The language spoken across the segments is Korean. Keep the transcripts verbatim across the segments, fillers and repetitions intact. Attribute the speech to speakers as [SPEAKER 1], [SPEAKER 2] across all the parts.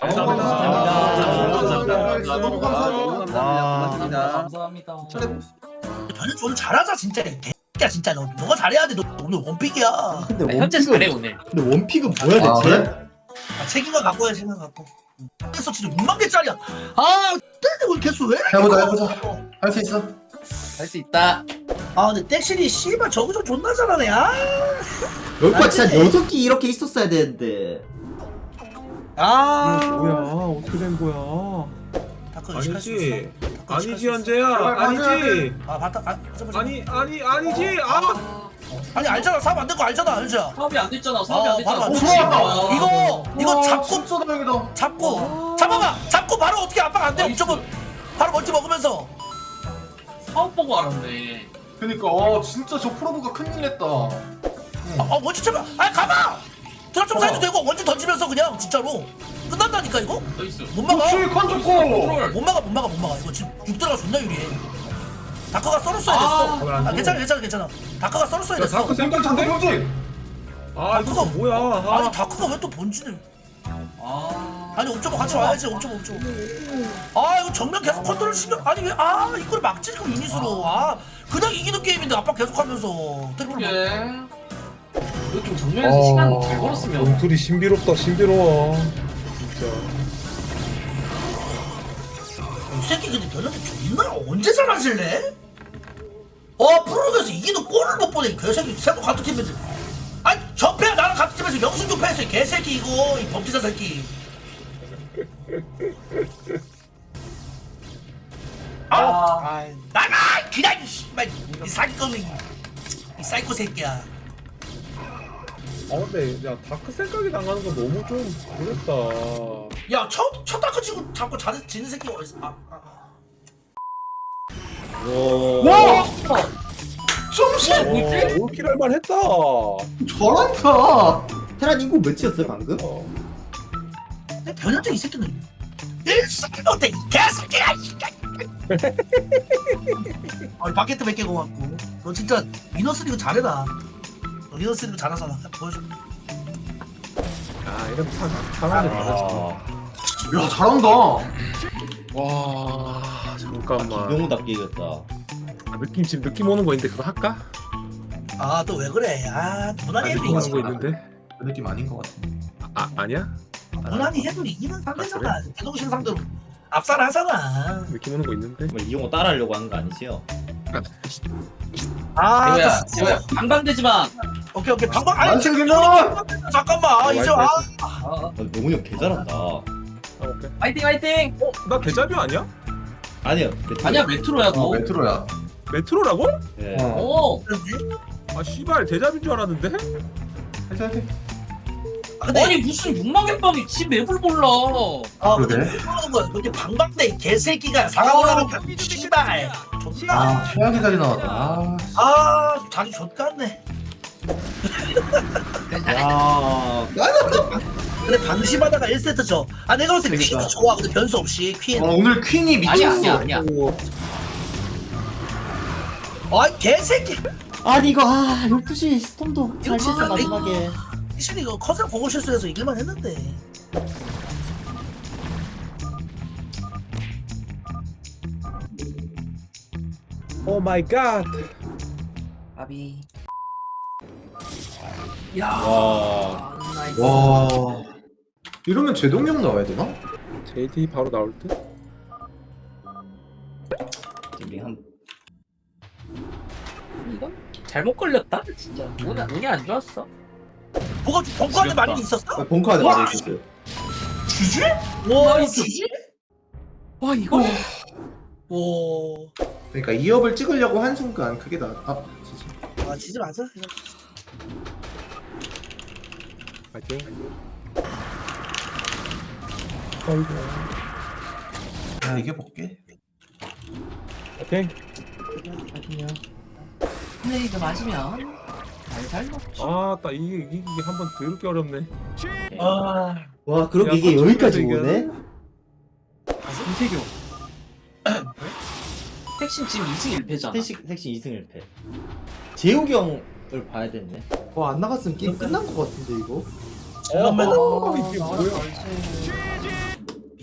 [SPEAKER 1] 감사합니다.
[SPEAKER 2] 감사합니다.
[SPEAKER 1] 너무 감사합니다.
[SPEAKER 2] 감사합니다.
[SPEAKER 3] 감사합니다.
[SPEAKER 4] 변현 오늘 잘하자 진짜. 개야 진짜 너 너가 잘해야 돼. 너 오늘 원픽이야.
[SPEAKER 5] 근데
[SPEAKER 3] 현재
[SPEAKER 5] 원픽은
[SPEAKER 3] 잘해 오늘.
[SPEAKER 5] 근데 원픽은 뭐야
[SPEAKER 2] 아,
[SPEAKER 5] 대체?
[SPEAKER 2] 그래?
[SPEAKER 4] 아, 책임감 갖고 해 생각 갖고. 그래서 진짜 육만 개짜리야. 아, 근데 오늘 개수 왜? 이렇게
[SPEAKER 2] 해보자,
[SPEAKER 4] 커?
[SPEAKER 2] 해보자. 할 수 있어.
[SPEAKER 3] 할 수 있다.
[SPEAKER 4] 아, 근데 땡신이 씨발 저거 존나 잘하네. 아,
[SPEAKER 5] 여기가 진짜
[SPEAKER 4] 근데-
[SPEAKER 5] 여섯 개 이렇게 있었어야 되는데.
[SPEAKER 4] 아,
[SPEAKER 1] 뭐야? 어떻게 된 거야?
[SPEAKER 4] 다크 의식할 수 있어?
[SPEAKER 1] 아니지.
[SPEAKER 4] 다크
[SPEAKER 1] 아니지
[SPEAKER 4] 의식할 수 있어?
[SPEAKER 1] 현재야.
[SPEAKER 2] 제발 가져야
[SPEAKER 1] 아니지.
[SPEAKER 4] 아, 봤다. 아, 잠깐만,
[SPEAKER 1] 아니 아니 아니지. 아.
[SPEAKER 4] 아니 알잖아. 사업 안 된 거 알잖아, 현재야.
[SPEAKER 3] 사업이 안 됐잖아. 사업이
[SPEAKER 4] 아,
[SPEAKER 3] 안 됐잖아.
[SPEAKER 4] 바로 안
[SPEAKER 3] 그치?
[SPEAKER 4] 됐지.
[SPEAKER 3] 아.
[SPEAKER 4] 이거 이거
[SPEAKER 2] 우와,
[SPEAKER 4] 잡고
[SPEAKER 2] 진짜 다행이다.
[SPEAKER 4] 잡고 잡아봐. 잡고 바로 어떻게 압박 안 돼?
[SPEAKER 3] 나이스.
[SPEAKER 4] 무조건 바로 멀티 먹으면서.
[SPEAKER 3] 사업 보고 알았네.
[SPEAKER 2] 그니까 어 진짜 저 프로브가 큰일 냈다.
[SPEAKER 4] 아, 아 원지 잡아. 아, 가봐. 드랍 좀 사이도 되고 원지 던지면서 그냥 진짜로 끝난다니까 이거.
[SPEAKER 3] 나이스.
[SPEAKER 4] 못 막아.
[SPEAKER 2] 그렇지 컨 좋고.
[SPEAKER 3] 컨트롤.
[SPEAKER 4] 못 막아 못 막아 못 막아. 이거 지금 육드라가 존나 유리해. 다크가 썰었어야
[SPEAKER 3] 아,
[SPEAKER 4] 됐어.
[SPEAKER 1] 안
[SPEAKER 4] 아,
[SPEAKER 1] 돼.
[SPEAKER 4] 괜찮아 괜찮아 괜찮아. 다크가 썰었어야
[SPEAKER 1] 야
[SPEAKER 4] 됐어.
[SPEAKER 1] 다크
[SPEAKER 2] 생각 장대
[SPEAKER 1] 생각한데?
[SPEAKER 2] 병진.
[SPEAKER 1] 아 이거 뭐야?
[SPEAKER 4] 아니
[SPEAKER 1] 아.
[SPEAKER 4] 다크가 왜 또 본진을?
[SPEAKER 3] 아.
[SPEAKER 4] 아니 옵저버 같이 와야지. 옵저버 옵저버. 아 이거 정면 계속 컨트롤 신경. 아니 왜 아 이걸 막지 그 유닛으로. 아 그냥 이기는 게임인데 압박 계속하면서 트리플.
[SPEAKER 3] 그래. 이거 좀 정면에서 시간 잘 벌었으면.
[SPEAKER 1] 영술이 신비롭다 신비로워. 진짜.
[SPEAKER 4] 이 새끼 근데 변현재 존나 언제 잘하실래? 어 프로그에서 이기는 골을 못 보네 이 개새끼. 세도 같은 팀인데. 아니 전패 나랑 같은 팀에서 영승 교패했어 이 개새끼 이거 이 범죄자 새끼. 아, 아 나가 그냥 이 씨발 이 사기꾼이 이 사이코 새끼야.
[SPEAKER 1] 아 근데 야 다크 생각이 나가는 건 너무 좀 그랬다.
[SPEAKER 4] 야첫첫 다크 치고 자꾸 자는 지는 새끼가 어딨어? 아, 아, 아.
[SPEAKER 5] 와.
[SPEAKER 2] 좀씩
[SPEAKER 1] 어, 올킬 할만 했다.
[SPEAKER 2] 잘한다.
[SPEAKER 5] 테란 인구 몇이었어요 방금?
[SPEAKER 1] 어.
[SPEAKER 4] 근데 변현재 이 새끼는 일승이 못해 이 개새끼야 이 새끼야. 아 바켓트 몇 개 고맙고. 너 진짜 위너스 리그 잘해라. 너 위너스 리그 잘하잖아. 보여줘.
[SPEAKER 1] 아 이런 참 사람이 다르지.
[SPEAKER 2] 야 잘한다.
[SPEAKER 1] 와 잠깐만.
[SPEAKER 5] 김용우답게 이겼다.
[SPEAKER 1] 아, 느낌 지금 느낌 오는 거 있는데 그거 할까?
[SPEAKER 4] 아 또 왜 그래? 아 무난히 해도
[SPEAKER 1] 느낌 오는
[SPEAKER 4] 이기지.
[SPEAKER 1] 거 있는데.
[SPEAKER 2] 그 느낌 아닌 것 같은데.
[SPEAKER 1] 아 아니야?
[SPEAKER 4] 무난히 해도 이기는 상대잖아. 대동신 상대로 압살하잖아.
[SPEAKER 1] 느낌 오는 거 있는데.
[SPEAKER 5] 정말 이용호 따라하려고 하는 거 아니지요?
[SPEAKER 4] 아
[SPEAKER 3] 이거야.
[SPEAKER 4] 됐어.
[SPEAKER 3] 이거야. 방방되지 마.
[SPEAKER 4] 오케이 오케이 방방. 아니
[SPEAKER 2] 안 챙기면.
[SPEAKER 4] 잠깐만 아, 이제 아.
[SPEAKER 3] 아.
[SPEAKER 5] 아, 명훈이 형 개 잘한다.
[SPEAKER 1] 아 오케이.
[SPEAKER 3] 화이팅 화이팅.
[SPEAKER 1] 어? 나 데자뷰 아니야?
[SPEAKER 5] 아니요.
[SPEAKER 3] 아니야 메트로야
[SPEAKER 2] 어
[SPEAKER 3] 너.
[SPEAKER 2] 메트로야.
[SPEAKER 1] 메트로라고?
[SPEAKER 5] 네.
[SPEAKER 2] 어.
[SPEAKER 3] 오.
[SPEAKER 1] 아 씨발 데자뷰인 줄 알았는데?
[SPEAKER 2] 해줘 해줘.
[SPEAKER 4] 아, 근데
[SPEAKER 3] 아니 무슨 육만 개빵이 지 맵을 몰라.
[SPEAKER 4] 아 근데
[SPEAKER 2] 그러게.
[SPEAKER 4] 왜 그러는 거야? 근데 방방대 이 개새끼가 사과 올라가면 씨발 존나.
[SPEAKER 2] 아 최악의 자리 나왔다. 아.
[SPEAKER 4] 아 자기 좆같네.
[SPEAKER 5] 야.
[SPEAKER 4] 근데 방심하다가 일 세트 져. 아 내가 봤을 때
[SPEAKER 2] 그러니까.
[SPEAKER 4] 퀸이 좋아. 근데 변수 없이 퀸.
[SPEAKER 2] 어, 오늘 퀸이
[SPEAKER 3] 아니야
[SPEAKER 2] 미쳤어.
[SPEAKER 3] 아니야 아니야.
[SPEAKER 4] 아 개새끼.
[SPEAKER 5] 아니 이거 아 열두 시 스톰도 잘
[SPEAKER 4] 이거
[SPEAKER 5] 쳤어
[SPEAKER 4] 진짜
[SPEAKER 5] 마지막에.
[SPEAKER 4] 이신이 이거 컷을 공을 실수해서 이길만 했는데.
[SPEAKER 1] 오 마이 갓.
[SPEAKER 3] 아비. 야.
[SPEAKER 5] 와.
[SPEAKER 3] 나이스.
[SPEAKER 2] 와. 이러면 제동형 나와야 되나?
[SPEAKER 1] 제이디 바로 나올 듯?
[SPEAKER 5] 우리 한
[SPEAKER 3] 이건 잘못 걸렸다. 진짜. 운이 운이 안 좋았어.
[SPEAKER 4] 뭐가 벙커한테 많이 있었어?
[SPEAKER 5] 벙커 안에
[SPEAKER 4] 와!
[SPEAKER 5] 맞아 있었어요.
[SPEAKER 4] 주지? 와
[SPEAKER 3] 나이스.
[SPEAKER 4] 주지?
[SPEAKER 3] 와 이거.
[SPEAKER 4] 와.
[SPEAKER 2] 그러니까 이 업을 찍으려고 한 순간 그게 나. 아 진짜.
[SPEAKER 4] 아 진짜 맞아?
[SPEAKER 1] 파이팅. 아이고.
[SPEAKER 2] 야 이게 볼게.
[SPEAKER 1] 파이팅.
[SPEAKER 3] 근데 이거 맞으면 잘살 먹지.
[SPEAKER 1] 아딱 이게 이게 한번 더럽게 어렵네.
[SPEAKER 4] 아
[SPEAKER 5] 와 그럼
[SPEAKER 1] 야,
[SPEAKER 5] 이게 여기까지
[SPEAKER 1] 선출해서
[SPEAKER 5] 오네?
[SPEAKER 3] 김태교. 택신 지금 이 승 일 패잖아.
[SPEAKER 5] 택시 택시 이 승 일 패. 재욱이 형을 봐야 되네.
[SPEAKER 2] 와안 나갔으면 게임 끝난 것 같은데 이거.
[SPEAKER 4] 잠깐만.
[SPEAKER 1] 어, 이게
[SPEAKER 3] 아,
[SPEAKER 1] 뭐야?
[SPEAKER 3] 나이스.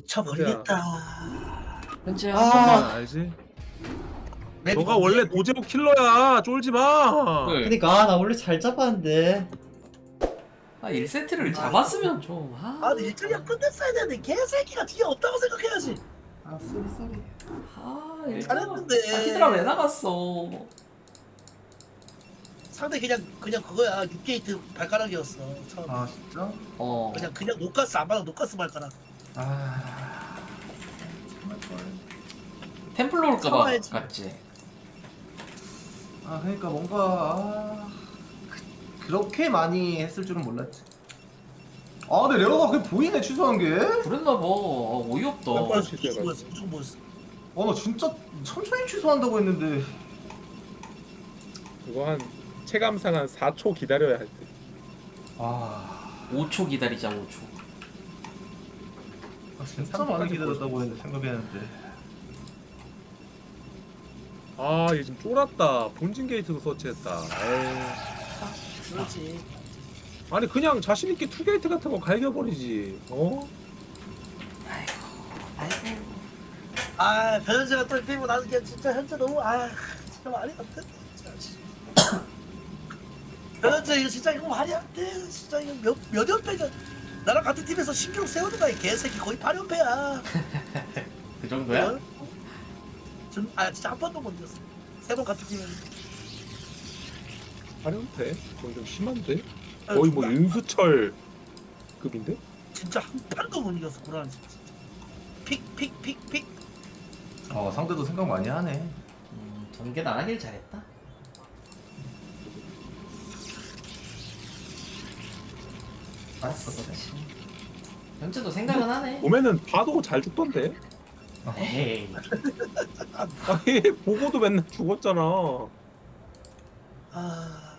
[SPEAKER 4] 쳐버리겠다.
[SPEAKER 3] 현재야.
[SPEAKER 5] 아.
[SPEAKER 1] 아, 알지?
[SPEAKER 4] 맵이
[SPEAKER 1] 너가
[SPEAKER 4] 뭔데?
[SPEAKER 1] 원래 도제목 킬러야. 쫄지 마.
[SPEAKER 3] 네.
[SPEAKER 5] 그니까 나 원래 잘 잡았는데.
[SPEAKER 3] 아 일 세트를 잡았으면 좀. 아,
[SPEAKER 4] 아, 근데 일정이야 끝냈어야 되는데 개새끼가 뒤에 없다고 생각해야지.
[SPEAKER 2] 아 쏘리 쏘리.
[SPEAKER 3] 아 일정.
[SPEAKER 4] 잘했는데.
[SPEAKER 3] 아, 히드라 왜 나갔어?
[SPEAKER 4] 상대 그냥 그냥 그거야. 육 게이트 발가락이었어. 처음.
[SPEAKER 2] 아 진짜?
[SPEAKER 3] 어.
[SPEAKER 4] 그냥 그냥 노가스 안 받아 노가스 발가락.
[SPEAKER 2] 아 정말 걸.
[SPEAKER 3] 템플로 올까봐
[SPEAKER 4] 참아야지.
[SPEAKER 3] 갔지.
[SPEAKER 2] 아 그러니까 뭔가 아, 그, 그렇게 많이 했을 줄은 몰랐지. 아 근데 레어가 그게 보이네 취소한 게.
[SPEAKER 3] 그랬나봐. 아, 어이없다.
[SPEAKER 1] 몇 시-
[SPEAKER 4] 무조건 뭐였어? 무조건 뭐였어?
[SPEAKER 2] 아 나 진짜 천천히 취소한다고 했는데.
[SPEAKER 1] 이거 한 체감상 한 사 초 기다려야 할 때.
[SPEAKER 2] 아,
[SPEAKER 3] 오 초 기다리자 오 초.
[SPEAKER 2] 아 진짜 많이 기다렸다고 했는데 생각했는데.
[SPEAKER 1] 아, 얘 지금 쫄았다. 본진 게이트도 서치했다. 에이.
[SPEAKER 4] 그렇지.
[SPEAKER 1] 아니 그냥 자신 있게 투 게이트 같은 거 갈겨버리지. 어?
[SPEAKER 3] 아이고.
[SPEAKER 4] 아 변현재가 또 피부 나는 게 진짜 현재 너무 아 진짜 말이 안 돼. 진짜. 변현재 이거 진짜 이거 말이 안 돼. 진짜 이거 몇몇 연패가 나랑 같은 팀에서 신경 세우는 거야 이 개새끼 거의 팔 연패야.
[SPEAKER 3] 그 정도야?
[SPEAKER 4] 전, 아 진짜 한 번도 못 이겼어. 세 번 같은 팀에.
[SPEAKER 1] 화려한데? 그건 좀 심한데?
[SPEAKER 4] 아,
[SPEAKER 1] 거의 뭐
[SPEAKER 4] 진짜-
[SPEAKER 1] 윤수철 급인데?
[SPEAKER 4] 진짜 한 판도 못 이겼어 고라니 진짜. 픽픽 픽 픽.
[SPEAKER 2] 어 상대도 생각 많이 하네.
[SPEAKER 3] 음, 전개 안 하길 잘했다.
[SPEAKER 2] 알았어.
[SPEAKER 3] 현재도 생각은 하네.
[SPEAKER 1] 보면은 봐도 잘 죽던데?
[SPEAKER 3] 에이.
[SPEAKER 1] 아니 보고도 맨날 죽었잖아.
[SPEAKER 4] 아,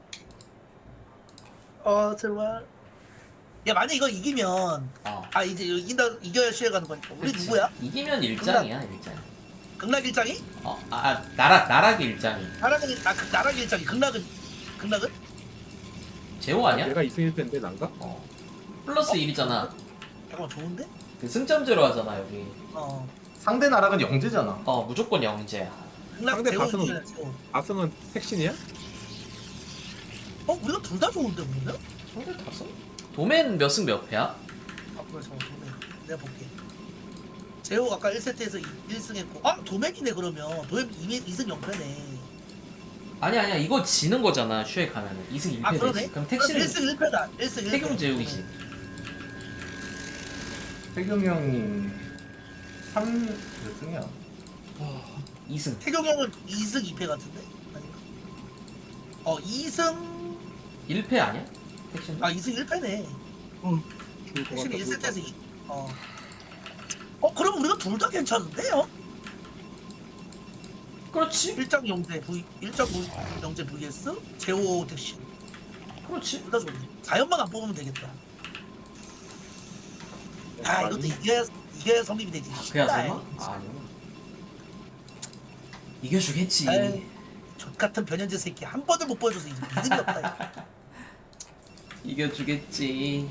[SPEAKER 4] 어 정말. 야 만약 이거 이기면
[SPEAKER 3] 어.
[SPEAKER 4] 아 이제 이거 이긴다 이겨야 시에 가는 거니까 우리
[SPEAKER 3] 그치.
[SPEAKER 4] 누구야?
[SPEAKER 3] 이기면 일장이야 일장.
[SPEAKER 4] 극락 일장이?
[SPEAKER 3] 어, 아, 아 나락 나락 일장이.
[SPEAKER 4] 나락은 아 그, 나락 일장이 극락은 극락은?
[SPEAKER 3] 제호 아니야?
[SPEAKER 1] 내가 이 승 일 패인데 난가?
[SPEAKER 3] 어. 플러스 일이잖아.
[SPEAKER 4] 잠깐만 좋은데?
[SPEAKER 3] 그 승점제로 하잖아 여기.
[SPEAKER 4] 어
[SPEAKER 2] 상대 나락은 영재잖아.
[SPEAKER 3] 어 무조건 영재야.
[SPEAKER 4] 극락
[SPEAKER 1] 상대
[SPEAKER 4] 제호
[SPEAKER 1] 가슴은-
[SPEAKER 4] 이겨야 제호.
[SPEAKER 1] 아승은 택신이야?
[SPEAKER 4] 어 우리가 둘 다 좋은데 우리는?
[SPEAKER 3] 상대 다섯? 도맨 몇 승 몇 패야?
[SPEAKER 4] 아 그래 잠깐 도맨 내가 볼게. 제호 아까 일 세트에서 일 승 했고 아 도맨이네 그러면 도맨 이 승 영 패네.
[SPEAKER 3] 아니 아니야 이거 지는 거잖아 슈에 가면은 이 승 일 패
[SPEAKER 4] 아
[SPEAKER 3] 되지.
[SPEAKER 4] 그러네?
[SPEAKER 3] 그럼 택시는
[SPEAKER 4] 일 승 일 패다 일 승 일 패.
[SPEAKER 3] 태경 제욱이지.
[SPEAKER 2] 태경이 형이 삼 몇 승이야?
[SPEAKER 3] 이 승.
[SPEAKER 4] 태경 형은 이 승 이 패 같은데? 아닌가? 어 이 승
[SPEAKER 3] 일 패 아니야? 택시는?
[SPEAKER 4] 아 이 승 일 패네.
[SPEAKER 1] 죽을 것
[SPEAKER 4] 확실히
[SPEAKER 1] 같다,
[SPEAKER 4] 일
[SPEAKER 1] 죽을 것
[SPEAKER 4] 세트에서 이 어. 어 그럼 우리가 둘 다 괜찮은데요?
[SPEAKER 3] 그렇지.
[SPEAKER 4] 일장 영재 V 일장 영재 vs 제오 택시
[SPEAKER 3] 그렇지.
[SPEAKER 4] 둘 다 좋네. 사 연만 안 뽑으면 되겠다.
[SPEAKER 1] 같아.
[SPEAKER 4] 아 이것도 이겨야 이겨야 성립이 되지.
[SPEAKER 3] 그야
[SPEAKER 4] 쉽다,
[SPEAKER 3] 설마?
[SPEAKER 4] 이.
[SPEAKER 3] 아 아니야. 이겨주겠지.
[SPEAKER 4] 에이, 족 같은 변현재 새끼 한 번을 못 보여줘서 이제 믿음이 없다. 이거.
[SPEAKER 3] 이겨주겠지.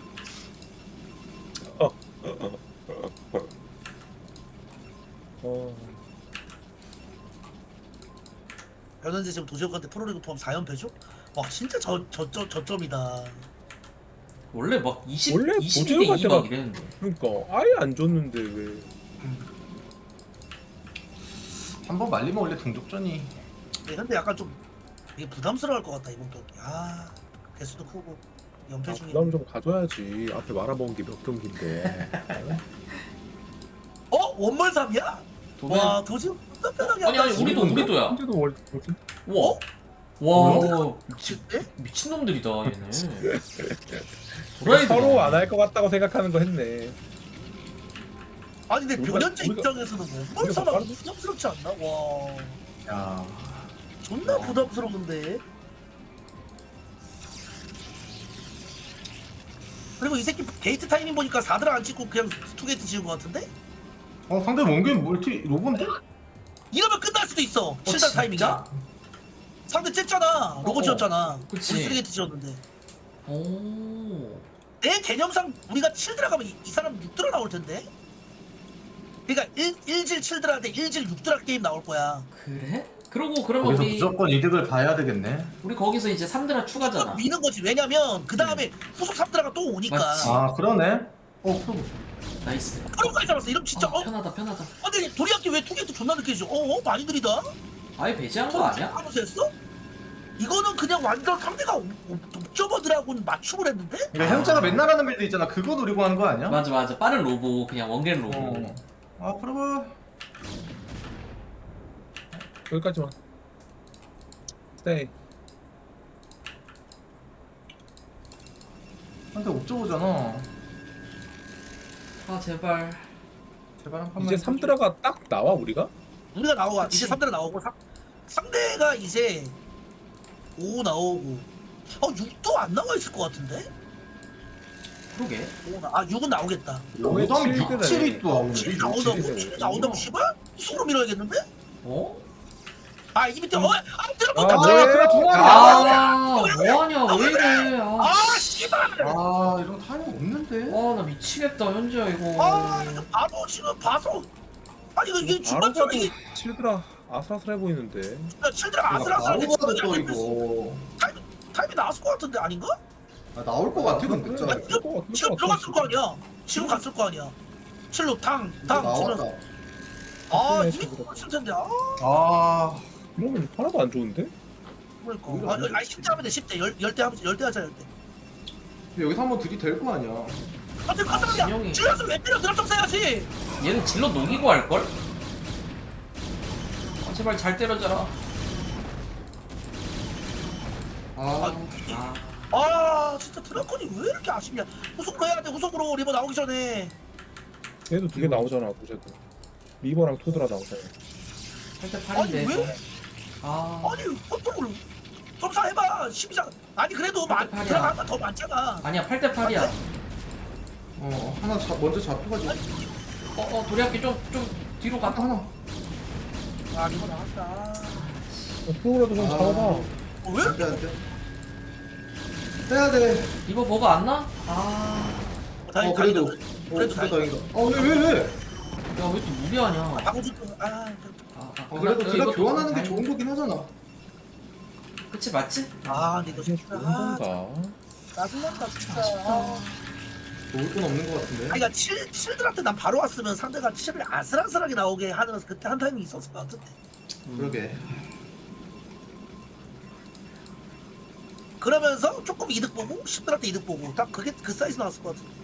[SPEAKER 1] 어.
[SPEAKER 4] 변현재 지금 도지혁한테 프로리그 포함 사 연패죠? 와 진짜 저 저점 저점이다.
[SPEAKER 3] 원래 막 이십,
[SPEAKER 1] 원래
[SPEAKER 3] 이십이 대
[SPEAKER 1] 도제욱
[SPEAKER 3] 이 막
[SPEAKER 1] 할 때가-
[SPEAKER 3] 이랬는데.
[SPEAKER 1] 그러니까 아예 안 줬는데 왜?
[SPEAKER 2] 한번 말리면 원래 동족전이.
[SPEAKER 4] 네, 근데 약간 좀 이게 부담스러울 것 같다 이번 경기. 아 개수도 크고 연패
[SPEAKER 1] 아,
[SPEAKER 4] 중에.
[SPEAKER 1] 부담 좀 가져야지. 앞에 말아먹은 게 몇 경기인데.
[SPEAKER 4] 어 원몰 삼이야?
[SPEAKER 3] 도맨.
[SPEAKER 4] 와 도지혁 진짜 편하게
[SPEAKER 3] 아니 아니
[SPEAKER 4] 한다,
[SPEAKER 3] 우리도
[SPEAKER 4] 지금.
[SPEAKER 3] 우리도야.
[SPEAKER 1] 현재도 월 뭐지?
[SPEAKER 3] 와. 와
[SPEAKER 4] 뭐야?
[SPEAKER 3] 미친
[SPEAKER 4] 네?
[SPEAKER 3] 미친 놈들이다 얘네. 도라이들.
[SPEAKER 1] 서로 안 할 것 같다고 생각하는 거 했네.
[SPEAKER 4] 아니 근데
[SPEAKER 1] 우리가-
[SPEAKER 4] 변현재
[SPEAKER 1] 우리가-
[SPEAKER 4] 입장에서는 원몰
[SPEAKER 1] 우리가
[SPEAKER 4] 삼아
[SPEAKER 1] 빠르-
[SPEAKER 4] 부담스럽지 않나? 와
[SPEAKER 2] 야.
[SPEAKER 4] 존나
[SPEAKER 3] 와.
[SPEAKER 4] 부담스러운데. 그리고 이 새끼 게이트 타이밍 보니까 사드라 안 찍고 그냥 투 게이트 지은 것 같은데?
[SPEAKER 2] 어 상대 원게임 멀티 로봇인데?
[SPEAKER 4] 이러면 끝날 수도 있어. 칠 단
[SPEAKER 3] 진짜?
[SPEAKER 4] 타이밍이야? 상대 쨌잖아. 로고
[SPEAKER 3] 어, 어.
[SPEAKER 4] 지었잖아.
[SPEAKER 3] 그치.
[SPEAKER 4] 우리 쓰리 게이트 지었는데.
[SPEAKER 3] 오.
[SPEAKER 4] 내 개념상 우리가 칠 들어가면 이, 이 사람 육 들어 나올 텐데. 그러니까 일, 일질 칠들한테 일질 육들 게임 나올 거야.
[SPEAKER 3] 그래? 그러고 그러면
[SPEAKER 2] 거기서
[SPEAKER 3] 우리
[SPEAKER 2] 무조건 이득을 봐야 되겠네.
[SPEAKER 3] 우리 거기서 이제 삼드라 추가잖아.
[SPEAKER 4] 미는 거지. 왜냐면 그 다음에 후속 삼드라가 또 오니까.
[SPEAKER 3] 맞지.
[SPEAKER 2] 아 그러네. 어 그럼
[SPEAKER 3] 나이스.
[SPEAKER 4] 그런 거 알잖아. 이러면 진짜
[SPEAKER 3] 아,
[SPEAKER 4] 어?
[SPEAKER 3] 편하다 편하다.
[SPEAKER 4] 아, 근데 도리학기 왜 투게이트 존나 늦게 해줘? 어? 어? 많이 느리다?
[SPEAKER 3] 아예 배제한 거 아니야?
[SPEAKER 4] 하면서 했어? 이거는 그냥 완전 상대가 옵저버들하고는 맞춤을 했는데?
[SPEAKER 2] 그러니까 현자가 맨날 하는 빌드 있잖아. 그거 노리고 하는 거 아니야?
[SPEAKER 3] 맞아 맞아. 빠른 로보 그냥 원겐 로보.
[SPEAKER 2] 어. 아 그러면
[SPEAKER 1] 여기까지만. 스테이.
[SPEAKER 2] 한대 옵저버잖아.
[SPEAKER 3] 아 제발.
[SPEAKER 2] 제발 한 판만.
[SPEAKER 1] 이제 삼드라가 딱 나와 우리가?
[SPEAKER 4] 우리가 나오고
[SPEAKER 3] 그치.
[SPEAKER 4] 이제 삼대가 나오고 상, 상대가 이제 오 나오고 어 육도 안 나와 있을 것 같은데?
[SPEAKER 3] 그러게.
[SPEAKER 4] 오 나, 아 육은 나오겠다.
[SPEAKER 2] 오당
[SPEAKER 1] 칠이네.
[SPEAKER 2] 육, 칠이 또 나오네.
[SPEAKER 4] 칠이 나온다고?
[SPEAKER 1] 칠이네.
[SPEAKER 4] 칠이 나온다고 씨발? 수으로 밀어야겠는데?
[SPEAKER 3] 어?
[SPEAKER 4] 아 이 밑에 어? 아
[SPEAKER 1] 아
[SPEAKER 4] 들어본다
[SPEAKER 1] 뭐야 그래
[SPEAKER 3] 아
[SPEAKER 1] 동아리야.
[SPEAKER 3] 뭐하냐 왜 이래. 아.
[SPEAKER 4] 아 씨발
[SPEAKER 2] 아 이런 타이밍 없는데.
[SPEAKER 3] 와 나 미치겠다 현지야 이거.
[SPEAKER 4] 아 이거 바로 지금 봐서 아니 이거 이게
[SPEAKER 1] 바로
[SPEAKER 4] 중간점에
[SPEAKER 1] 가도
[SPEAKER 4] 이게
[SPEAKER 1] 칠드라 아슬아슬해 보이는데.
[SPEAKER 4] 칠드라
[SPEAKER 2] 바로
[SPEAKER 4] 아슬아슬한데
[SPEAKER 2] 가도 또
[SPEAKER 4] 중간점에
[SPEAKER 2] 이거.
[SPEAKER 4] 타임이 타임이 나왔을 것 같은데 아닌가?
[SPEAKER 2] 아, 나올 것 같아 근데 진짜.
[SPEAKER 4] 아니, 지금, 지금 들어갔을 거 아니야. 지금 갔을 거 아니야. 칠로 탕, 탕,
[SPEAKER 2] 나왔다.
[SPEAKER 4] 치면서. 아,
[SPEAKER 1] 네,
[SPEAKER 4] 이미
[SPEAKER 1] 지금
[SPEAKER 4] 들어갔을 텐데. 아,
[SPEAKER 2] 아
[SPEAKER 1] 이러면 하나도 안 좋은데?
[SPEAKER 4] 그러니까.
[SPEAKER 2] 우리가
[SPEAKER 4] 아니, 아니, 십 대 하면 돼, 십 대. 열, 열대 하면 열대 하자, 열대.
[SPEAKER 2] 여기서 한번 들이 될 거 아니야.
[SPEAKER 4] 아, 지금 가슴이야.
[SPEAKER 3] 진영이.
[SPEAKER 4] 질러서 왜 때려? 드랍점 써야지.
[SPEAKER 3] 얘는 질러 녹이고 할걸? 아 제발 잘 때려줘라.
[SPEAKER 2] 아
[SPEAKER 3] 아
[SPEAKER 4] 아, 진짜 드라콘이 왜 이렇게 아쉽냐. 후속으로 해야 돼, 후속으로. 리버 나오기 전에.
[SPEAKER 1] 얘도 두 개 나오잖아 보셔도. 리버랑 토드라 나오잖아.
[SPEAKER 3] 팔대
[SPEAKER 4] 아니,
[SPEAKER 3] 팔인데.
[SPEAKER 4] 왜?
[SPEAKER 3] 아
[SPEAKER 4] 아니, 어떡을. 점사 해봐. 십이 장. 아니, 그래도 많,
[SPEAKER 3] 팔이야.
[SPEAKER 4] 들어가면 더 많잖아.
[SPEAKER 3] 아니야 팔 대 팔이야.
[SPEAKER 2] 어 하나 잡 먼저 잡혀가지고.
[SPEAKER 3] 어어 도리학기 좀 좀 뒤로 가.
[SPEAKER 2] 하나 하나.
[SPEAKER 4] 아, 리버 나왔다.
[SPEAKER 1] 어, 프로라도 좀
[SPEAKER 2] 아.
[SPEAKER 1] 잡아봐.
[SPEAKER 4] 어, 왜
[SPEAKER 2] 안돼
[SPEAKER 4] 이렇게.
[SPEAKER 2] 안돼. 해야 돼.
[SPEAKER 3] 이거 뭐가 안 나? 아.
[SPEAKER 2] 어 그래도. 어
[SPEAKER 4] 그래도
[SPEAKER 2] 진짜
[SPEAKER 4] 다행이다.
[SPEAKER 2] 다행이다. 어왜 왜 왜?
[SPEAKER 3] 야 왜 또 무리하냐?
[SPEAKER 4] 방어주 아,
[SPEAKER 3] 아, 아,
[SPEAKER 2] 어 그래도
[SPEAKER 3] 그래,
[SPEAKER 2] 드라
[SPEAKER 3] 이것도
[SPEAKER 2] 교환하는 게
[SPEAKER 3] 다행-
[SPEAKER 2] 좋은 거긴 하잖아.
[SPEAKER 3] 그치 맞지?
[SPEAKER 4] 아, 근데 이거
[SPEAKER 1] 이게
[SPEAKER 4] 진짜
[SPEAKER 1] 좋은
[SPEAKER 4] 아,
[SPEAKER 1] 건가?
[SPEAKER 4] 짜증난다 진짜. 아,
[SPEAKER 2] 좋을 건 없는 거 같은데.
[SPEAKER 4] 아니, 그러니까 칠 칠들한테 난 바로 왔으면 상대가 칠을 아슬아슬하게 나오게 하는 그때 한 타이밍 있었을 것 같은데.
[SPEAKER 2] 그러게.
[SPEAKER 4] 그러면서 조금 이득 보고 십들한테 이득 보고 딱 그게 그 사이즈 나왔을 것 같은데.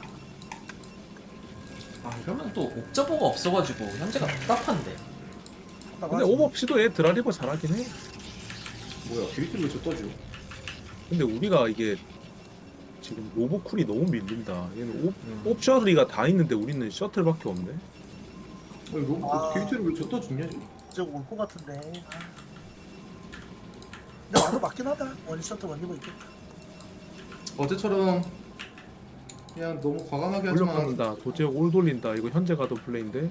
[SPEAKER 3] 아 이러면 또 옥저버가 없어가지고 현재가 답답한데.
[SPEAKER 1] 근데 오버피도 얘 드라리버 잘하긴 해.
[SPEAKER 2] 뭐야 게이트를 왜 저 떠줘?
[SPEAKER 1] 근데 우리가 이게 지금 로보쿨이 너무 밀린다. 얘는 옵,
[SPEAKER 3] 음.
[SPEAKER 1] 옵셔리가 다 있는데 우리는 셔틀밖에 없네.
[SPEAKER 2] 아니 로
[SPEAKER 4] 아.
[SPEAKER 2] 게이트를 왜 저 떠주냐 지금?
[SPEAKER 4] 이제 올것 같은데. 아. 근데 와도 맞긴 하다. 원셔터 원리버 있겠다.
[SPEAKER 2] 어제처럼 그냥 너무 과감하게 하지 마.
[SPEAKER 1] 올려받는다. 도제혁 올 돌린다. 이거 현재 가도 플레이인데.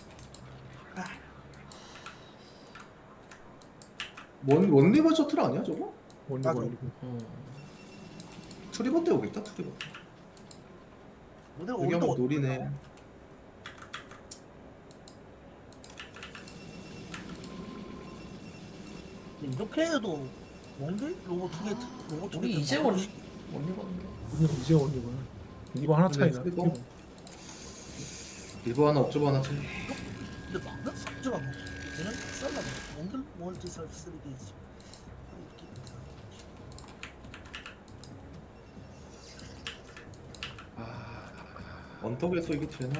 [SPEAKER 2] 원 원리버 셔틀 아니야 저거?
[SPEAKER 1] 원리버
[SPEAKER 4] 맞아.
[SPEAKER 1] 원리버.
[SPEAKER 3] 음.
[SPEAKER 2] 트리버 때 오겠다 트리버.
[SPEAKER 4] 근데
[SPEAKER 2] 여기
[SPEAKER 4] 오늘도
[SPEAKER 2] 한번 노리네.
[SPEAKER 4] 이렇게 해도 뭔데? 로봇 두 개, 로봇 두 개.
[SPEAKER 3] 우리 이제 원 원리버인데.
[SPEAKER 1] 우리는 이제 원리버야. 이거 하나 차이나.
[SPEAKER 2] 트리버. 리버 하나 옵저버 하나 차이.
[SPEAKER 4] 근데 막는 상주가 뭐? 걔는 쌀라 뭐? 몽글 멀티 서비스 이게 있어.
[SPEAKER 2] 아 언덕에서 이게 되나?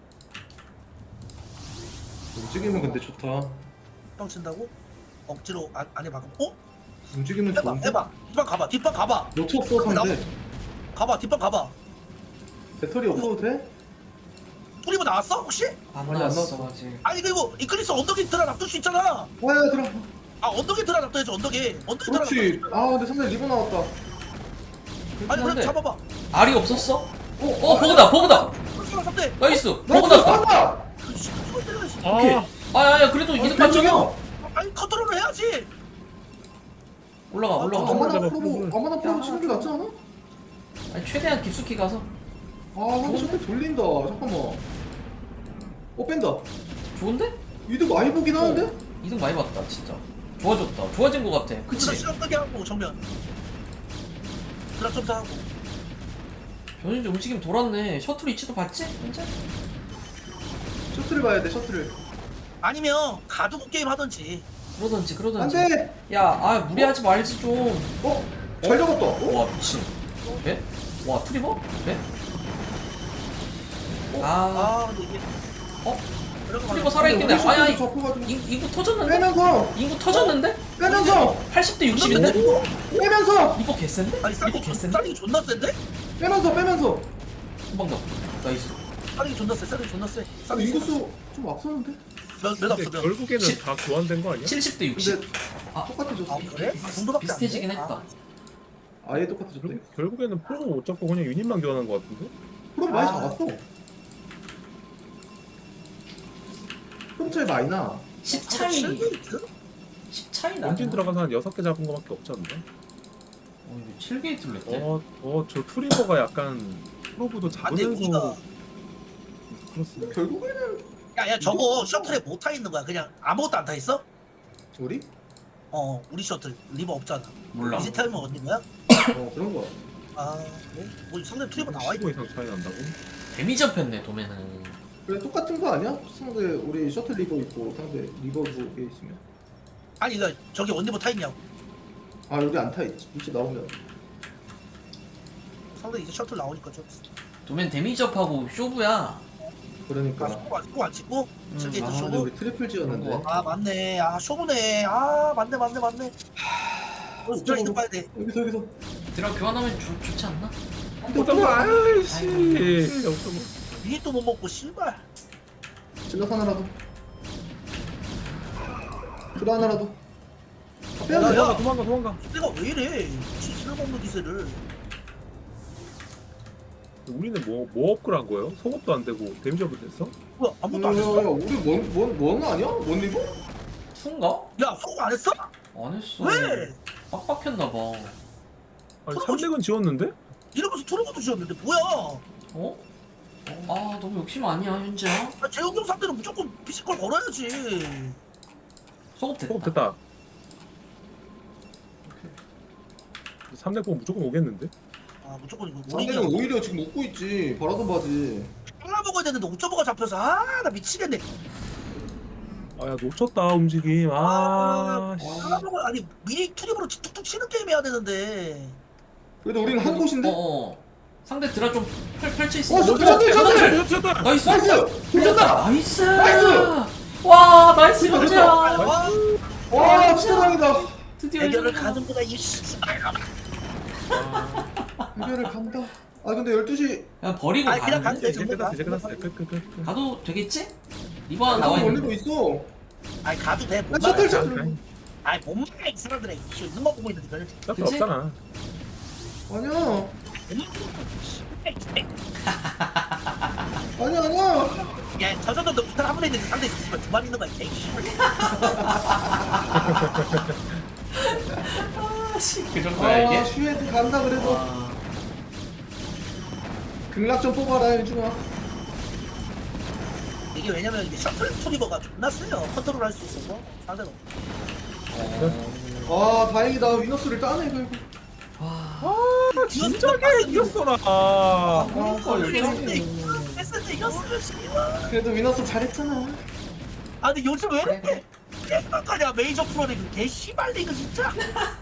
[SPEAKER 2] 움직이면 근데 좋다.
[SPEAKER 4] 형 친다고? 억지로 안, 안에 박아. 어?
[SPEAKER 2] 움직이면
[SPEAKER 4] 해봐,
[SPEAKER 2] 좋은데.
[SPEAKER 4] 해봐. 뒷방 가봐, 뒷방 가봐.
[SPEAKER 2] 놓쳤어 상대.
[SPEAKER 4] 가봐, 뒷방 가봐.
[SPEAKER 2] 배터리 없어도 돼?
[SPEAKER 4] 뿌리고 나왔어 혹시?
[SPEAKER 3] 안
[SPEAKER 2] 아니, 안
[SPEAKER 3] 나왔어
[SPEAKER 2] 나왔어.
[SPEAKER 3] 아직.
[SPEAKER 4] 아니 그리고 이클리스 언덕에 들어 놔둘 수 있잖아.
[SPEAKER 2] 와야 들어.
[SPEAKER 4] 아 언덕에 들어 놔둬야지 언덕에. 언덕에 들어
[SPEAKER 2] 그렇지.
[SPEAKER 4] 놔둬.
[SPEAKER 2] 아 근데 상대 리버 나왔다.
[SPEAKER 4] 아니 그래
[SPEAKER 3] 한데
[SPEAKER 4] 잡아봐.
[SPEAKER 3] 알이 없었어?
[SPEAKER 2] 어,
[SPEAKER 3] 어 보그다 보그다.
[SPEAKER 4] 그렇지 삼대.
[SPEAKER 3] 나이스.
[SPEAKER 2] 나이스
[SPEAKER 3] 보그 났다.
[SPEAKER 2] 간다.
[SPEAKER 4] 그렇지 이걸 때려야지.
[SPEAKER 1] 아,
[SPEAKER 3] 아야야 그래도 이득 봤잖아.
[SPEAKER 4] 아니 컨트롤을 해야지.
[SPEAKER 3] 올라가 올라가.
[SPEAKER 1] 잠깐만.
[SPEAKER 2] 아마나
[SPEAKER 1] 잡아,
[SPEAKER 2] 프로
[SPEAKER 1] 프로.
[SPEAKER 2] 아마나 프로 치는 게 낫지 않아?
[SPEAKER 3] 아니 최대한 깊숙이 가서.
[SPEAKER 2] 아 근데 저때 돌린다. 잠깐만. 어
[SPEAKER 5] 어 뺀다.
[SPEAKER 3] 좋은데?
[SPEAKER 5] 이득 많이 보긴 하는데?
[SPEAKER 3] 이득 많이 봤다 진짜. 좋아졌다. 좋아진 것 같아.
[SPEAKER 4] 그치
[SPEAKER 3] 그치?
[SPEAKER 4] 시간 끄게 하고 정면 드랍 점사하고
[SPEAKER 3] 변현재 움직임 돌았네. 셔틀 위치도 봤지? 현재?
[SPEAKER 5] 셔틀을 봐야 돼 셔틀을.
[SPEAKER 4] 아니면 가두고 게임 하던지.
[SPEAKER 3] 그러던지 그러던지.
[SPEAKER 5] 안돼.
[SPEAKER 3] 야, 아 무리하지 말지 좀.
[SPEAKER 5] 어? 잘 잡았다. 어?
[SPEAKER 3] 와 미친. 배? 와 트리버? 배? 아,
[SPEAKER 4] 아 근데 이게
[SPEAKER 3] 어?
[SPEAKER 4] 그런 거
[SPEAKER 3] 트리버
[SPEAKER 4] 말고
[SPEAKER 3] 살아있겠네.
[SPEAKER 5] 우리
[SPEAKER 3] 아야,
[SPEAKER 5] 셔틀도 잡혀가지고.
[SPEAKER 3] 인, 인구 터졌는데?
[SPEAKER 5] 빼면서
[SPEAKER 3] 인구 터졌는데?
[SPEAKER 5] 빼면서
[SPEAKER 3] 팔십 대 육십인데?
[SPEAKER 5] 빼면서
[SPEAKER 3] 이거 개센데?
[SPEAKER 4] 아니
[SPEAKER 3] 이거
[SPEAKER 4] 싸링
[SPEAKER 3] 개센데?
[SPEAKER 4] 싸링이 존나 센데?
[SPEAKER 5] 빼면서 빼면서.
[SPEAKER 3] 한방 더. 나이스.
[SPEAKER 4] 싸링이 존나 세 싸링이 존나 세
[SPEAKER 5] 아 인구수 좀 앞서는데?
[SPEAKER 4] 몇몇
[SPEAKER 1] 근데
[SPEAKER 4] 없어 몇
[SPEAKER 1] 결국에는
[SPEAKER 3] 시-
[SPEAKER 1] 다 교환된 거 아니야?
[SPEAKER 3] 칠십 대 육십.
[SPEAKER 5] 근데
[SPEAKER 3] 아,
[SPEAKER 5] 똑같아졌어.
[SPEAKER 4] 아 그래? 그 정도밖에 안 돼?
[SPEAKER 3] 비슷해지긴 했다.
[SPEAKER 4] 아,
[SPEAKER 5] 아예 똑같아졌다. 이거.
[SPEAKER 1] 결- 결국에는 프로를 못 잡고 그냥 유닛만 교환한 거 같은데?
[SPEAKER 5] 프롬 많이
[SPEAKER 4] 아.
[SPEAKER 5] 잡았어. 프롬 차이 많이 나.
[SPEAKER 3] 십
[SPEAKER 4] 칠
[SPEAKER 3] 차이.
[SPEAKER 4] 게이트?
[SPEAKER 3] 십 차이 나.
[SPEAKER 1] 원진 들어가서 한 여섯 개 잡은 거밖에 없지 않나?
[SPEAKER 3] 어, 이거 칠 게이트를 냈대.
[SPEAKER 1] 어, 어, 저 트리버가 약간 프로브도
[SPEAKER 4] 아 근데 우리가
[SPEAKER 1] 잡으면서 그렇습니다.
[SPEAKER 5] 결국에는
[SPEAKER 4] 야야 저거 셔틀에 못 타 있는 거야 그냥 아무것도 안 타 있어?
[SPEAKER 5] 우리?
[SPEAKER 4] 어 우리 셔틀 리버 없잖아
[SPEAKER 3] 몰라.
[SPEAKER 4] 이제 타이머 언니 거야?
[SPEAKER 5] 어 그런 거야.
[SPEAKER 4] 아 그래? 뭐 상대 트리버 나와
[SPEAKER 1] 십오
[SPEAKER 4] 있고
[SPEAKER 1] 이상 차이 난다고?
[SPEAKER 3] 데미지 업했네 도매는.
[SPEAKER 5] 그래 똑같은 거 아니야? 상대 우리 셔틀 리버 있고 상대 리버 두개 있으면.
[SPEAKER 4] 아니 이거 저기 언니버 타 있냐고
[SPEAKER 5] 아 여기 안 타 있지. 이제 나오면.
[SPEAKER 4] 상대 이제 셔틀 나오니까 좀
[SPEAKER 3] 도맨 데미지 업하고 쇼부야.
[SPEAKER 5] 그러니까.
[SPEAKER 4] 아, 쇼부 안 찍고 안 찍고?
[SPEAKER 3] 음,
[SPEAKER 4] 칠 게이트
[SPEAKER 5] 아 근데
[SPEAKER 4] 쇼부?
[SPEAKER 5] 우리 트리플 지었는데.
[SPEAKER 4] 아 맞네 아 쇼부네 아 맞네 맞네 맞네 어 이쪽 봐야 돼
[SPEAKER 5] 여기서 여기서.
[SPEAKER 3] 드라 교환하면 좋, 좋지 않나?
[SPEAKER 1] 어떤 아이씨. 없어 뭐.
[SPEAKER 4] 미니도 못 먹고 씨발
[SPEAKER 5] 질러 하나라도. 그거 하나라도. 아,
[SPEAKER 4] 야,
[SPEAKER 5] 빼야 돼.
[SPEAKER 4] 야.
[SPEAKER 1] 도망가, 도망가, 도망가.
[SPEAKER 4] 내가 왜 이래 지 쓸모없는 기세를
[SPEAKER 1] 우리는 뭐, 뭐 업글한 거예요? 속업도 안 되고 데미지 업을 됐어?
[SPEAKER 4] 뭐야 아무것도 안
[SPEAKER 5] 야, 야,
[SPEAKER 4] 했어?
[SPEAKER 5] 야, 우리 뭔, 뭔, 뭔 아니야? 뭔 리버?
[SPEAKER 3] 투인가?
[SPEAKER 4] 야 소금 안 했어?
[SPEAKER 3] 안 했어.
[SPEAKER 4] 왜?
[SPEAKER 3] 빡빡했나봐.
[SPEAKER 1] 아니, 삼백은 지웠는데?
[SPEAKER 4] 이러면서 투르고도 지었는데 뭐야
[SPEAKER 3] 어? 아 너무 욕심 아니야 현재야?
[SPEAKER 4] 아, 재욱이 형 상대는 무조건 피지컬 걸어야지
[SPEAKER 3] 소급 됐다.
[SPEAKER 1] 속업 됐다. 삼백 보면 무조건 오겠는데?
[SPEAKER 4] 아 무조건 이거
[SPEAKER 5] 상대는
[SPEAKER 4] 우리는
[SPEAKER 5] 오히려 지금 웃고 있지. 바라던 바지.
[SPEAKER 4] 하나 먹어야 되는데 오점오가 잡혀서 아 나 미치겠네
[SPEAKER 1] 아, 야, 놓쳤다, 움직임. 아, 씨.
[SPEAKER 4] 하나 먹어 아니 미니 투립으로 툭툭 치는 게임 해야 되는데
[SPEAKER 5] 그래도 우리는 한 곳인데?
[SPEAKER 3] 어어. 상대 드라 좀 펼, 펼쳐 있어.
[SPEAKER 5] 어, 셔틀, 셔틀, 셔틀!
[SPEAKER 1] 놓쳤다!
[SPEAKER 3] 나이스.
[SPEAKER 5] 나이스! 돌렸다!
[SPEAKER 3] 나이스.
[SPEAKER 5] 나이스!
[SPEAKER 3] 와 나이스 현재야.
[SPEAKER 4] 와
[SPEAKER 5] 와 진짜 다행이다.
[SPEAKER 3] 드디어
[SPEAKER 4] 대결을
[SPEAKER 3] 현재야.
[SPEAKER 4] 가는구나 이 씨발
[SPEAKER 5] 해결을 간다. 아 근데 열두 시
[SPEAKER 3] 그냥 버리고
[SPEAKER 4] 아니, 그냥
[SPEAKER 3] 가는데?
[SPEAKER 4] 가-
[SPEAKER 1] 이제 끝났어, 이제 끝났어. 끝, 끝, 끝.
[SPEAKER 3] 가도 되겠지? 이번 하나 나와
[SPEAKER 5] 나와
[SPEAKER 3] 있는데.
[SPEAKER 5] 올리고 있어.
[SPEAKER 4] 아니 가도 돼
[SPEAKER 5] 나
[SPEAKER 4] 못
[SPEAKER 5] 셔틀
[SPEAKER 4] 막아
[SPEAKER 5] 셔틀.
[SPEAKER 4] 아니 못 막아 이 사람들이 이씨 있는 거 보고 있는데 별
[SPEAKER 1] 셔틀
[SPEAKER 3] 그치?
[SPEAKER 1] 없잖아.
[SPEAKER 5] 아니야. 아니야 아니야.
[SPEAKER 4] 야저 정도 부탁 한번 했는데 상대 있으면 두만 있는 거야 이 씨발
[SPEAKER 3] 아씨 그 정도야
[SPEAKER 5] 아
[SPEAKER 3] 이게?
[SPEAKER 5] 슈에드 간다 그래도.
[SPEAKER 3] 와.
[SPEAKER 5] 극락 좀 뽑아라 일중아.
[SPEAKER 4] 이게 왜냐면 이게 셔틀 투리버가 존나 세요 컨트롤 할 수 있어서 상대는
[SPEAKER 3] 어.
[SPEAKER 5] 아 다행이다. 위너스를 따네 이거.
[SPEAKER 3] 와.
[SPEAKER 1] 아, 진작에 이겼어라.
[SPEAKER 5] 아,
[SPEAKER 3] 그러니까
[SPEAKER 5] 열정이.
[SPEAKER 4] 했을 이겼으면 씨발
[SPEAKER 5] 그래도 위너스 잘했잖아.
[SPEAKER 4] 아 근데 요즘 왜
[SPEAKER 3] 그래,
[SPEAKER 4] 이렇게 개빡하냐 메이저 프로리그 개 씨발 리그 진짜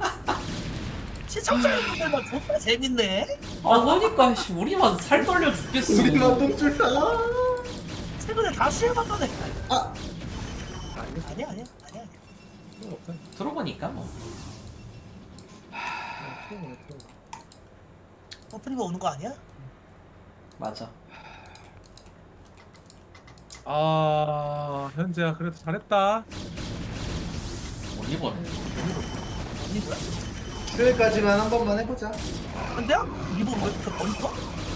[SPEAKER 4] 시청자 여러분들만 존나 재밌네
[SPEAKER 3] 아 그러니까 씨, 우리만 살 떨려 죽겠어.
[SPEAKER 5] 우리만 동줄 아.
[SPEAKER 4] 최근에 다시 해봤다네
[SPEAKER 5] 아.
[SPEAKER 4] 아니야 아니야 아니야 아니야
[SPEAKER 3] 들어보니까 뭐.
[SPEAKER 4] 어 프리버 오는 거 아니야?
[SPEAKER 3] 맞아.
[SPEAKER 1] 아, 현재야, 그래도 잘했다.
[SPEAKER 3] 올리버는.
[SPEAKER 4] 언니 뭐야?
[SPEAKER 5] 슈에까지만 한 번만 해보자.
[SPEAKER 4] 근데요? 리버 왜 이렇게 버리고?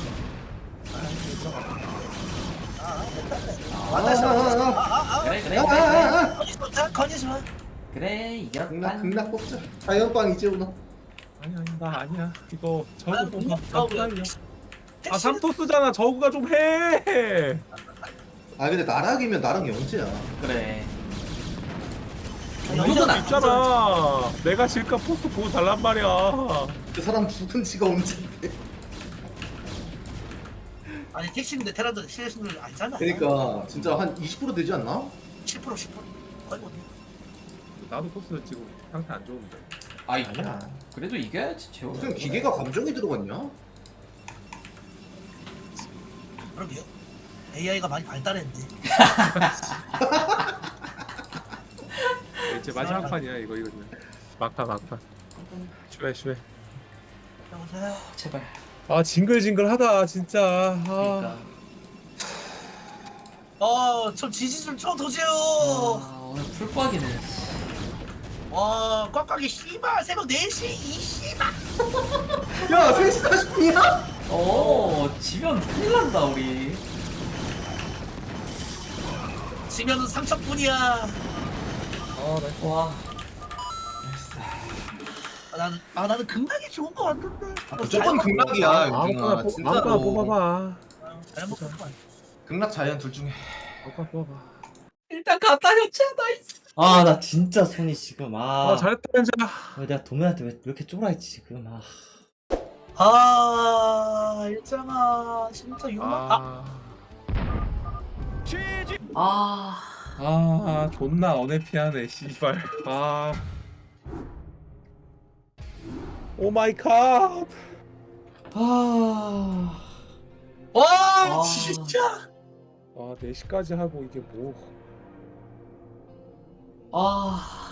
[SPEAKER 4] 아 됐다
[SPEAKER 5] 아, 아, 아, 아.
[SPEAKER 4] 아아아
[SPEAKER 3] 그래 그래
[SPEAKER 5] 아,
[SPEAKER 3] 그래.
[SPEAKER 5] 아, 아, 아.
[SPEAKER 4] 거짓말 자 거짓말
[SPEAKER 3] 그래
[SPEAKER 5] 극락
[SPEAKER 3] 이겼다.
[SPEAKER 5] 극락 뽑자. 자연빵 이제 오나.
[SPEAKER 1] 아니, 아니, 나 아니야. 이거
[SPEAKER 4] 아,
[SPEAKER 1] 저거 뽑아.
[SPEAKER 4] 뭐,
[SPEAKER 1] 나 기다려. 아, 삼토스잖아. 저거가 좀 해.
[SPEAKER 5] 아 근데 나랑 이면 나랑 영재야.
[SPEAKER 3] 그래.
[SPEAKER 4] 영재는 안
[SPEAKER 1] 있잖아. 내가 질까 포스트 보고 달란 말이야.
[SPEAKER 5] 그 사람 죽은 지가 언젠데.
[SPEAKER 4] 아니 택시인데 테라도 실수를 아니잖아.
[SPEAKER 5] 그러니까 진짜 한 이십 퍼센트 되지 않나?
[SPEAKER 4] 십 퍼센트 십 퍼센트 거의 못 해.
[SPEAKER 1] 나도 포스트 지금 상태 안 좋은데.
[SPEAKER 3] 아이
[SPEAKER 5] 아니야.
[SPEAKER 3] 그래도 이겨야지 재호.
[SPEAKER 5] 무슨 기계가 감정이 들어갔냐?
[SPEAKER 4] 그러게요. 에이아이가 많이 발달했는데.
[SPEAKER 1] 이제 마지막 판이야 이거 이거는. 막판 막판. 슈해 슈해.
[SPEAKER 4] 여보세요.
[SPEAKER 3] 제발.
[SPEAKER 1] 아 징글징글하다 진짜. 아.
[SPEAKER 3] 그러니까.
[SPEAKER 4] 어, 저 지지 좀 쳐도세요.
[SPEAKER 3] 아 오늘 풀꽉이네.
[SPEAKER 4] 와, 꽉꽉이 씨발 새벽 네 시 이 씨발.
[SPEAKER 5] 야 세 시 사십 분이야?
[SPEAKER 3] 어 지면 큰일 난다 우리.
[SPEAKER 4] 지면은 삼천뿐이야.
[SPEAKER 1] 아 나.
[SPEAKER 3] 와.
[SPEAKER 4] 아, 나는 아 나는 극락이 좋은 거 같은데.
[SPEAKER 5] 무조건 극락이야
[SPEAKER 1] 아무거나
[SPEAKER 5] 영준아.
[SPEAKER 1] 뽑- 아무거나
[SPEAKER 5] 진짜로.
[SPEAKER 1] 뽑아봐.
[SPEAKER 4] 잘 먹고 가.
[SPEAKER 5] 극락 자이언 둘 중에.
[SPEAKER 1] 아무거나 뽑아봐.
[SPEAKER 3] 일단 갔다 현채 나이스. 아 나 진짜 손이 지금 아.
[SPEAKER 1] 아 잘했다 현재.
[SPEAKER 3] 왜 내가 도면한테 왜 이렇게 쫄아있지 지금 아.
[SPEAKER 4] 아, 일장아, 진짜 욕만. 아,
[SPEAKER 1] 아.
[SPEAKER 3] 아.
[SPEAKER 1] 아 존나 어네피하네 씨발. 아. 오 마이 갓.
[SPEAKER 3] 아.
[SPEAKER 4] 와,
[SPEAKER 3] 아.
[SPEAKER 4] 진짜.
[SPEAKER 1] 아 네 시까지 하고 이게 뭐.
[SPEAKER 3] 아.